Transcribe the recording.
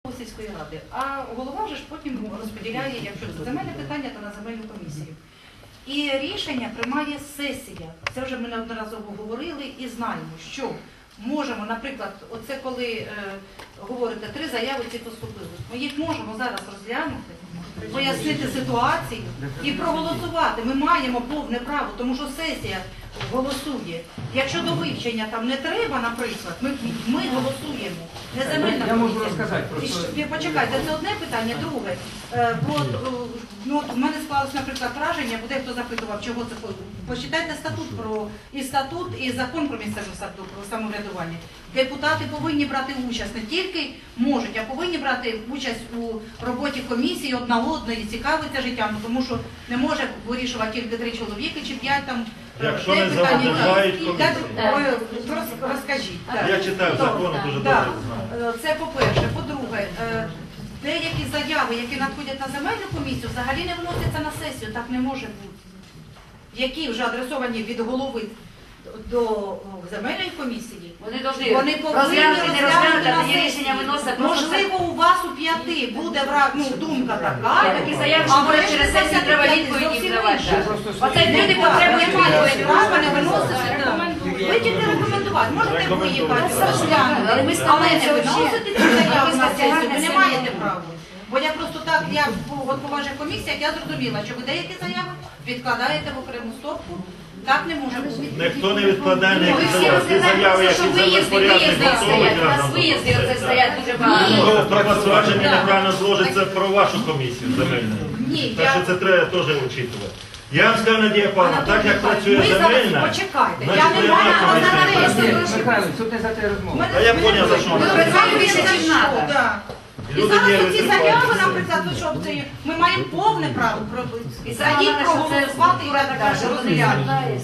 сільської ради, а голова вже ж потім розподіляє, якщо це земельне питання, то на земельну комісію. І рішення приймає сесія. Це вже ми неодноразово говорили і знаємо, що можемо, наприклад, оце коли говорите, 3 заяви ці поступили, ми їх можемо зараз розглянути, пояснити ситуацію і проголосувати. Ми маємо повне право, тому що сесія голосує. Якщо до вивчення там не треба, наприклад, ми голосуємо. Не земельна Я можу комісія. розказати просто. Почекайте, це одне питання. Друге, в мене склалось, наприклад, враження, бо дехто запитував, чого це. Почитайте статут і закон про місцеве самоврядування. Депутати повинні брати участь, не тільки можуть, а повинні брати участь у роботі комісії одної, цікавитися життям, тому що не може вирішувати тільки 3 чоловіки чи 5 там. Якщо не заважають комісію. Розкажіть. Я читаю закон, дуже добре знаю. Це по-перше. По-друге, деякі заяви, які надходять на земельну комісію, взагалі не вносяться на сесію, так не може бути. Які вже адресовані від голови до земельної комісії, Вони повинні повинні розглянути, не розглянути, а тоді на рішення сесії. виносить. Можливо, у вас у 5 буде думка така, Є такі заяви, що може через сесію треба відповіді давати. Оце люди потребують відповіді. Право не виносити. Ви тільки рекомендувати. Можете виїхати, розглянути. Але ми Але не виносити ці заяви на сесію, ви не маєте права. Бо я просто так, от по ваших комісіях, я зрозуміла, що ви деякі заяви відкладаєте в окрему стопку. Так не може бути. Ніхто не відкладає Ви ніякі всі заяви. Ті заяви, розглядаєте, які що виїзди землепорядник стоять. У нас разом. виїзди оце стоять дуже багато. Ну, про посвячення неправильно зложиться про вашу комісію земельну. Ні, Так що це треба теж учитувати. Я вам скажу, Надія Павловна, так як працює земельна, Почекайте, я значить, не я маю на комісії. Михайло, тут не за те розмова. А я поняв, за що Ми вона. працюємо більше, ніж треба. І Люди зараз нерви ці тріпають заяви, за себе. наприклад, ми маємо повне право І за їх проголосувати і так далі. розглянути.